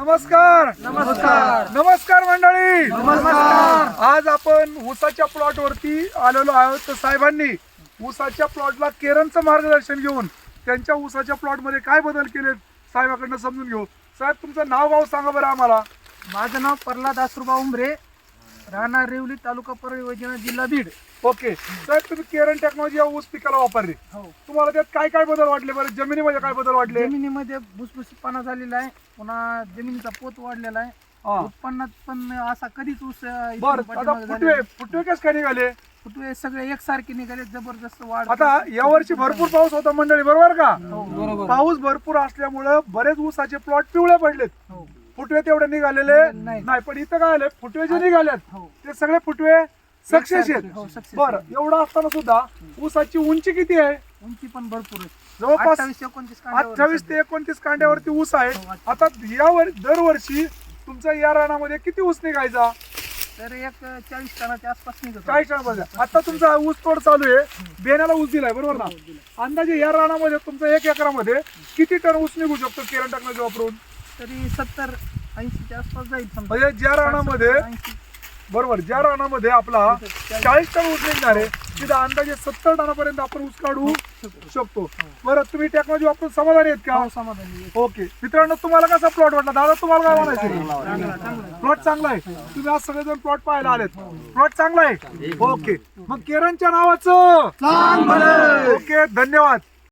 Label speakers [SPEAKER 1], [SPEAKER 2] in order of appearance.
[SPEAKER 1] नमस्कार
[SPEAKER 2] नमस्कार
[SPEAKER 1] नमस्कार मंडळी.
[SPEAKER 2] नमस्कार.
[SPEAKER 1] आज आपण ऊसाच्या प्लॉट वरती आलेलो आहोत. तर साहेबांनी ऊसाच्या प्लॉटला केरनचं मार्गदर्शन घेऊन त्यांच्या ऊसाच्या प्लॉट मध्ये काय बदल केले साहेबांकडून समजून घेऊ. साहेब तुमचं नाव गाव सांगा बरं आम्हाला.
[SPEAKER 2] माझं नाव प्रल्हाद आसुरबा उमरे, राहणार रेवली, तालुका परळी, वैजनाथ, जिल्हा बीड.
[SPEAKER 1] ओके साहेब, तुम्ही केरन टेक्नॉलॉजी या ऊस पिकाला वापरली.
[SPEAKER 2] हो.
[SPEAKER 1] तुम्हाला त्यात काय काय बदल वाटले बरं? जमिनीमध्ये काय बदल वाटले?
[SPEAKER 2] जमिनीमध्ये भुसभुशीतपणा झालेला आहे, पुन्हा जमिनीचा पोत वाढलेला आहे,
[SPEAKER 1] हा.
[SPEAKER 2] उत्पन्नात पण असा कधीच ऊस इथून
[SPEAKER 1] बरं, आता
[SPEAKER 2] पाठीमागे
[SPEAKER 1] फुटवे
[SPEAKER 2] झालेला
[SPEAKER 1] फुटवे कस काय निघाले?
[SPEAKER 2] नाही. फुटवे सगळे एकसारखे निघाले, जबरदस्त वाढ.
[SPEAKER 1] आता यावर्षी भरपूर पाऊस होता मंडळी, बरोबर का?
[SPEAKER 2] हो, बरोबर.
[SPEAKER 1] पाऊस भरपूर असल्यामुळे बरेच ऊसाचे प्लॉट पिवळे पडलेत.
[SPEAKER 2] हो.
[SPEAKER 1] फुटवे तेवढे निघालेले
[SPEAKER 2] नाही.
[SPEAKER 1] नाही, पण इथं काय आले, फुटवे जे निघालेत
[SPEAKER 2] हो.
[SPEAKER 1] ते सगळे फुटवे सक्सेस आहेत.
[SPEAKER 2] हो, success
[SPEAKER 1] बरं,
[SPEAKER 2] आहेत.
[SPEAKER 1] एवढं असताना सुद्धा ऊसाची उंची किती आहे?
[SPEAKER 2] उंची पण भरपूर आहे.
[SPEAKER 1] जवळपास
[SPEAKER 2] 28-29 कांड्यावर
[SPEAKER 1] 28 ते 29 कांड्यावरती ऊस आहे.
[SPEAKER 2] हो,
[SPEAKER 1] आता दरवर्षी तुमचा या रानामध्ये किती ऊस निघायचा?
[SPEAKER 2] तर एक 40 टनाच्या आसपास निघत.
[SPEAKER 1] 40 टन. आता तुमचा ऊस तोड चालू आहे, बेण्याला ऊस दिलाय, बरोबर ना? अंदाजे या रानामध्ये तुमचा 1 एकरामध्ये किती टन ऊस निघू शकतो केरन टेक्नॉलॉजी वापरून?
[SPEAKER 2] तरी 70-80च्या आसपास जाईल समजा.
[SPEAKER 1] म्हणजे ज्या रानामध्ये
[SPEAKER 2] 80.
[SPEAKER 1] बरोबर, ज्या रानामध्ये आपला 40 टन ऊस निघणार आहे तिथं अंदाजे 70 टनापर्यंत आपण ऊस काढू शकतो. बरं, तुम्ही टेक्नॉलॉजी वापरून समाधानी आहेत का?
[SPEAKER 2] हो, समाधानी आहे.
[SPEAKER 1] ओके मित्रांनो, तुम्हाला कसा प्लॉट वाटला? दादा तुम्हाला काय म्हणायचं?
[SPEAKER 2] चांगला.
[SPEAKER 1] प्लॉट चांगला आहे. तुम्ही आज सगळेजण प्लॉट पाहायला आलेत. प्लॉट चांगला आहे. ओके, मग केरनच्या नावाचं ओके, धन्यवाद.